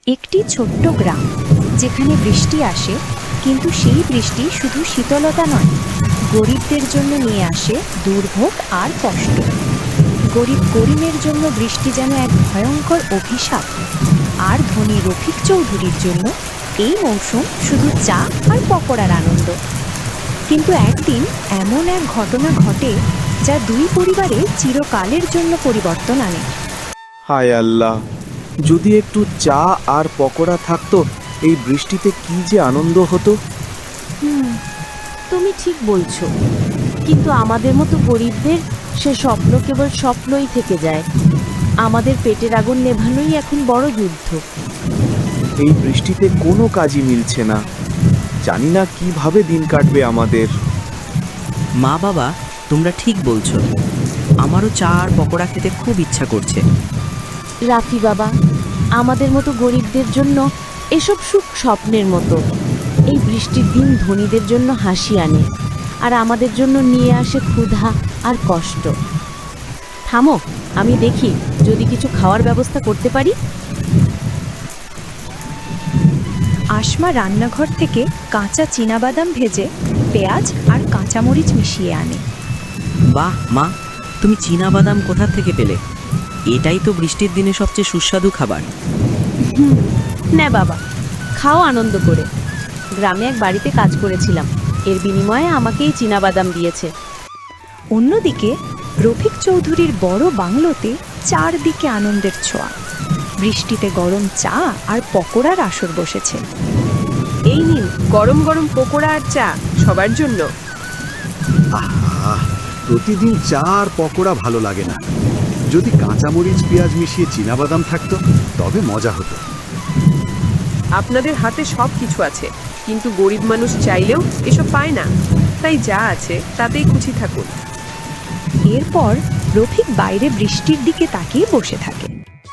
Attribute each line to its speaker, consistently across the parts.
Speaker 1: একটি ছোট্ট গ্রাম, যেখানে বৃষ্টি আসে, কিন্তু সেই বৃষ্টি শুধু শীতলতা নয়, গরিবদের জন্য নিয়ে আসে দুর্ভোগ আর কষ্ট। গরিব করিমের জন্য বৃষ্টি যেন এক ভয়ঙ্কর অভিশাপ, আর ধনী রফিক চৌধুরীর জন্য এই মৌসুম শুধু চা আর পকোড়ার আনন্দ। কিন্তু একদিন এমন এক ঘটনা ঘটে যা দুই পরিবারে চিরকালের জন্য পরিবর্তন আনে।
Speaker 2: হায় আল্লাহ, যদি একটু চা আর পকোড়া থাকতো, এই বৃষ্টিতে কি যে আনন্দ হতো।
Speaker 3: তুমি ঠিক বলছো, কিন্তু আমাদের মতো গরিবদের সে স্বপ্ন কেবল স্বপ্নই থেকে যায়। আমাদের পেটের আগুন নেভানোই এখন বড় যুদ্ধ।
Speaker 2: এই বৃষ্টিতে কোনো কাজই মিলছে না, জানি না কিভাবে দিন কাটবে আমাদের।
Speaker 4: মা বাবা, তোমরা ঠিক বলছো, আমারও চা আর পকোড়া খেতে খুব ইচ্ছা করছে।
Speaker 3: রাফি বাবা, আমাদের মতো গরিবদের জন্য এসব সুখ স্বপ্নের মতো। এই বৃষ্টির দিন ধনীদের জন্য হাসি আনে, আর আমাদের জন্য নিয়ে আসে ক্ষুধা আর কষ্ট। থামো, আমি দেখি যদি কিছু খাওয়ার ব্যবস্থা করতে পারি।
Speaker 1: আসমা রান্নাঘর থেকে কাঁচা চীনাবাদাম ভেজে পেঁয়াজ আর কাঁচামরিচ মিশিয়ে আনে।
Speaker 4: বাহ মা, তুমি চীনাবাদাম কোথা থেকে পেলে? এটাই তো বৃষ্টির দিনে সবচেয়ে সুস্বাদু খাবার।
Speaker 3: না বাবা, খাও আনন্দ করে। গ্রামে এক বাড়িতে কাজ করেছিলাম, এর বিনিময়ে আমাকে এই চীনাবাদাম দিয়েছে।
Speaker 1: অন্যদিকে রফিক চৌধুরীর বড় বাংলোতে চারদিকে আনন্দের ছোঁয়া। বৃষ্টিতে গরম চা আর পকোড়ার আসর বসেছে।
Speaker 5: এই নিন গরম গরম পকোড়া আর চা সবার জন্য।
Speaker 6: প্রতিদিন চা আর পকোড়া ভালো লাগে না। যদি কাঁচামরিচ পেঁয়াজ মিশিয়ে চীনাবাদাম থাকতো তবে মজা হতো।
Speaker 5: আপনাদের হাতে সব কিছু আছে, কিন্তু গরিব মানুষ চাইলেও এসব পায় না, তাই যা আছে তাতেই খুশি থাকুন।
Speaker 1: এরপর রফিক বাইরে বৃষ্টির দিকে তাকিয়ে বসে থাকে।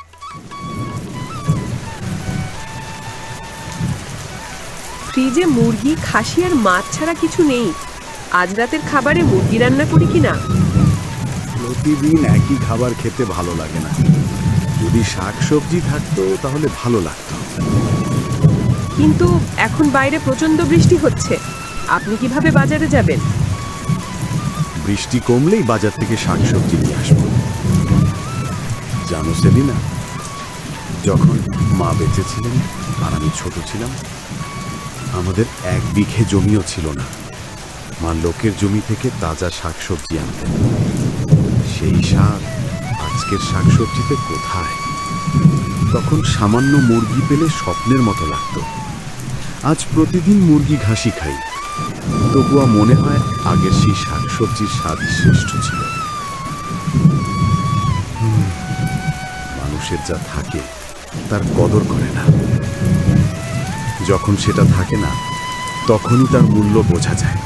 Speaker 5: ফ্রিজে মুরগি, খাসি আর মাছ ছাড়া কিছু নেই। আজ রাতের খাবারে মুরগি রান্না করি কিনা।
Speaker 6: প্রতিদিন একই খাবার খেতে ভালো লাগে না। যদি শাকসবজি থাকতো তাহলে ভালো লাগতো।
Speaker 5: কিন্তু এখন বাইরে প্রচন্ড বৃষ্টি হচ্ছে, আপনি কিভাবে বাজারে যাবেন?
Speaker 6: বৃষ্টি কমলেই বাজার থেকে শাকসবজি নিয়ে আসবো। জানো সেলিনা, যখন মা বেঁচে ছিলেন আর আমি ছোট ছিলাম, আমাদের এক বিঘে জমিও ছিল না। মা লোকের জমি থেকে তাজা শাকসবজি আনতেন। সেই স্বাদ আজকের শাকসবজিতে কোথায়? তখন সামান্য মুরগি পেলে স্বপ্নের মতো লাগতো। আজ প্রতিদিন মুরগি ঘাসি খাই, তবুও মনে হয় আগের সেই শাকসবজির স্বাদ শ্রেষ্ঠ ছিল। মানুষের যা থাকে তার কদর করে না, যখন সেটা থাকে না তখনই তার মূল্য বোঝা যায়।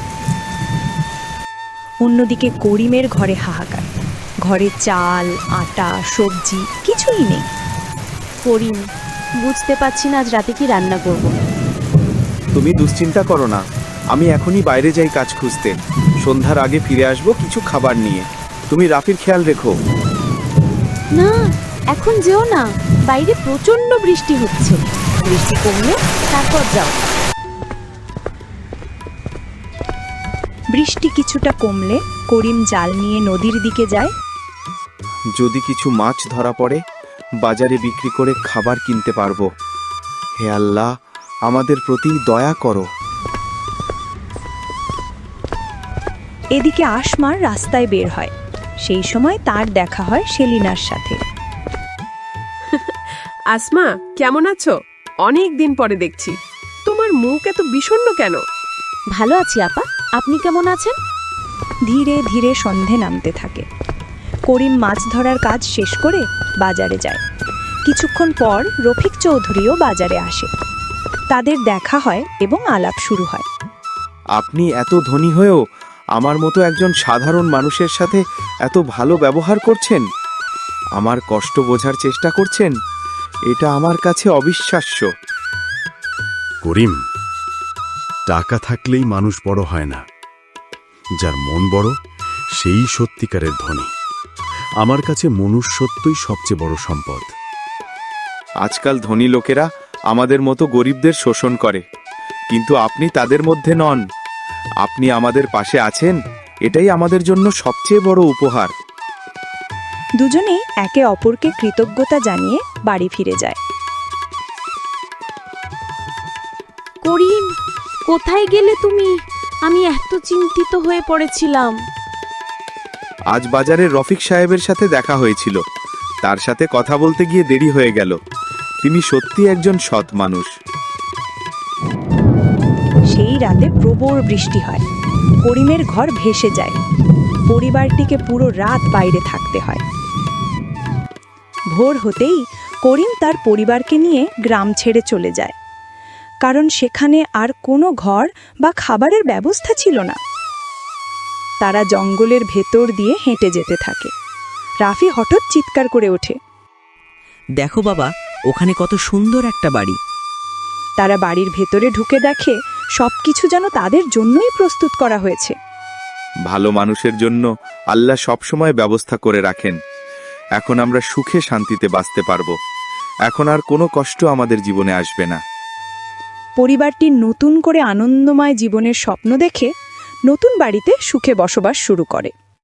Speaker 1: অন্যদিকে করিমের ঘরে হাহাকার। ঘরে চাল, আটা, সবজি কিছুই নেই।
Speaker 3: করিম, বুঝতে পারছি না আজ রাতে কি রান্না করব।
Speaker 2: তুমি দুশ্চিন্তা করো না, আমি এখনই বাইরে যাই কাজ খুঁজতে। সন্ধ্যার আগে ফিরে আসবো কিছু খাবার নিয়ে। তুমি রাফির খেয়াল রেখো।
Speaker 3: না, এখন যেও না, বাইরে প্রচন্ড বৃষ্টি হচ্ছে। বৃষ্টি কমলে তারপর যাও।
Speaker 1: বৃষ্টি কিছুটা কমলে করিম জাল নিয়ে নদীর দিকে যায়।
Speaker 2: যদি কিছু মাছ ধরা পড়ে, বাজারে বিক্রি করে খাবার কিনতে পারবো। হে আল্লাহ, আমাদের প্রতি দয়া করো।
Speaker 1: এদিকে আসমার রাস্তায় বের হয়। সেই সময় তার দেখা হয় সেলিনার সাথে।
Speaker 5: আসমা, কেমন আছো? অনেক দিন পরে দেখছি। তোমার মুখ এত বিষণ্ণ কেন?
Speaker 3: ভালো আছি আপা, আপনি কেমন আছেন?
Speaker 1: ধীরে ধীরে সন্ধে নামতে থাকে। করিম মাছ ধরার কাজ শেষ করে বাজারে যায়। কিছুক্ষণ পর রফিক চৌধুরীও বাজারে আসে। তাদের দেখা হয় এবং আলাপ শুরু হয়।
Speaker 2: আপনি এত ধনী হয়েও আমার মতো একজন সাধারণ মানুষের সাথে এত ভালো ব্যবহার করছেন, আমার কষ্ট বোঝার চেষ্টা করছেন, এটা আমার কাছে অবিশ্বাস্য।
Speaker 6: করিম, টাকা থাকলেই মানুষ বড় হয় না, যার মন বড় সেই সত্যিকারের ধনী। আমার কাছে মনুষ্যত্বই সবচেয়ে বড় সম্পদ।
Speaker 2: আজকাল ধনী লোকেরা আমাদের মতো গরিবদের শোষণ করে, কিন্তু আপনি তাদের মধ্যে নন। আপনি আমাদের পাশে আছেন, এটাই আমাদের জন্য সবচেয়ে বড় উপহার।
Speaker 1: দুজনেই একে অপরকে কৃতজ্ঞতা জানিয়ে বাড়ি ফিরে যায়।
Speaker 3: করিম, কোথায় গেলে তুমি? আমি এত চিন্তিত হয়ে পড়েছিলাম।
Speaker 2: আজ বাজারে রফিক সাহেবের সাথে দেখা হয়েছিল, তার সাথে কথা বলতে গিয়ে দেরি হয়ে গেল। তিনি সত্যি একজন সৎ মানুষ।
Speaker 1: সেই রাতে প্রবল বৃষ্টি হয়, করিমের ঘর ভেসে যায়। পরিবারটিকে পুরো রাত বাইরে থাকতে হয়। ভোর হতেই করিম তার পরিবারকে নিয়ে গ্রাম ছেড়ে চলে যায়, কারণ সেখানে আর কোনো ঘর বা খাবারের ব্যবস্থা ছিল না। তারা জঙ্গলের ভেতর দিয়ে হেঁটে যেতে থাকে। রাফি হঠাৎ চিৎকার করে ওঠে।
Speaker 4: দেখো বাবা, ওখানে কত সুন্দর একটা বাড়ি।
Speaker 1: তারা বাড়ির ভেতরে ঢুকে দেখে সবকিছু যেন তাদের জন্যই প্রস্তুত করা হয়েছে।
Speaker 2: ভালো মানুষের জন্য আল্লাহ সবসময় ব্যবস্থা করে রাখেন। এখন আমরা সুখে শান্তিতে বাঁচতে পারবো। এখন আর কোনো কষ্ট আমাদের জীবনে আসবে না।
Speaker 1: পরিবারটি নতুন করে আনন্দময় জীবনের স্বপ্ন দেখে নতুন বাড়িতে সুখে বসবাস শুরু করে।